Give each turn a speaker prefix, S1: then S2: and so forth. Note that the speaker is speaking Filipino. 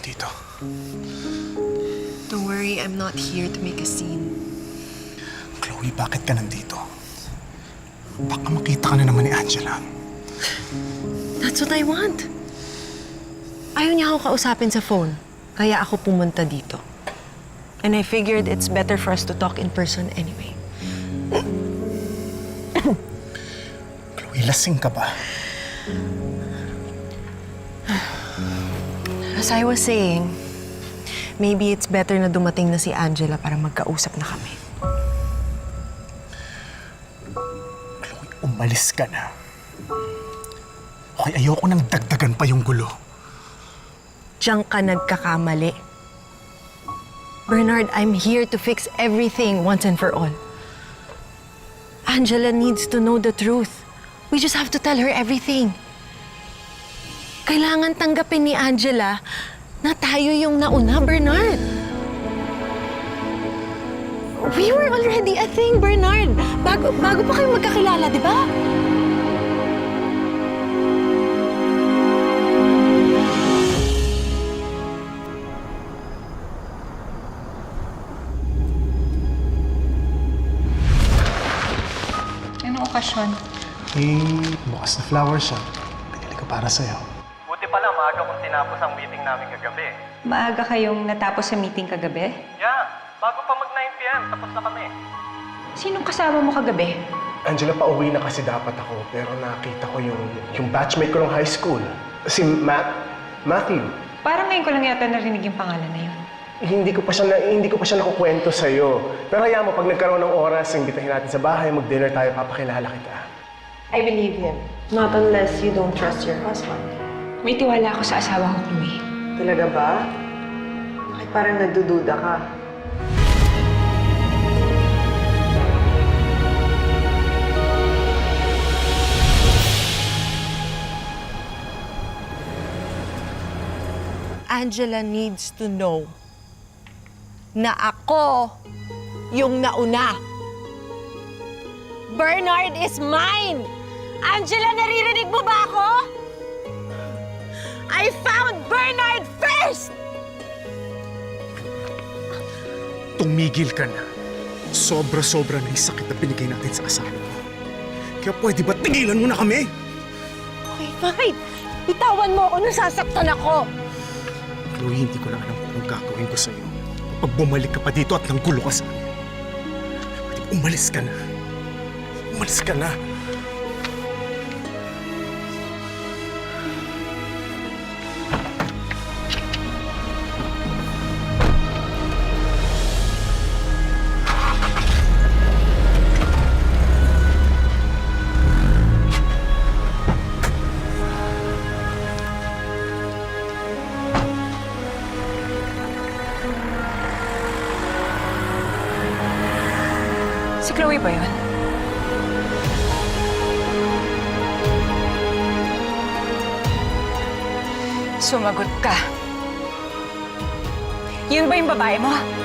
S1: dito.
S2: Don't worry, I'm not here to make a scene.
S1: Chloe, bakit ka nandito? Baka makita ka na naman ni Angela.
S2: That's what I want. Ayaw niya ako kausapin sa phone, kaya ako pumunta dito. And I figured it's better for us to talk in person anyway.
S1: Chloe, lasing ka ba?
S2: As I was saying, maybe it's better na dumating na si Angela para magkausap na kami.
S1: Chloe, umalis ka na. Okay, ayoko nang dagdagan pa yung gulo.
S2: Diyan ka nagkakamali. Bernard, I'm here to fix everything once and for all. Angela needs to know the truth. We just have to tell her everything. Kailangan tanggapin ni Angela na tayo yung nauna, Bernard. We were already a thing, Bernard. Bago pa kayo magkakilala, di ba?
S3: Anong okasyon?
S1: Bukas na flower shop. Pinili ko para sa'yo.
S4: Buti pala, maaga kong tinapos ang meeting namin kagabi.
S3: Maaga kayong natapos sa meeting kagabi?
S4: Yeah, bago pa mag 9 p.m. Tapos na kami.
S3: Sinong kasama mo kagabi?
S5: Angela, pauwi na kasi dapat ako, pero nakita ko yung batchmate ko ng high school. Si Matthew.
S3: Parang ngayon ko lang yata narinig yung pangalan na yun.
S5: Hindi ko pa siya nakukwento sa'yo. Pero hayaan mo, pag nagkaroon ng oras, imbitahin natin sa bahay, mag-dinner tayo, papakilala kita.
S2: I believe him. Not unless you don't trust your husband.
S3: May tiwala ako sa asawa ko, Chloe.
S2: Talaga ba? Bakit parang nagdududa ka? Angela needs to know na ako yung nauna. Bernard is mine! Angela, naririnig mo ba ako? I found Bernard first!
S1: Tumigil ka na. Sobra-sobra na yung sakit na binigay natin sa asawa mo. Kaya pwede ba tigilan mo na kami?
S2: Okay, fine. Bitawan mo ako nung sasaktan ako.
S1: Chloe, hindi ko na alam kung anong gagawin ko sa'yo. Pag bumalik ka pa dito at nanggulo ka sa akin. Pwede ba umalis ka na? Umalis ka na.
S3: Si Chloe ba yun? Sumagot ka. Yun ba yung babae mo?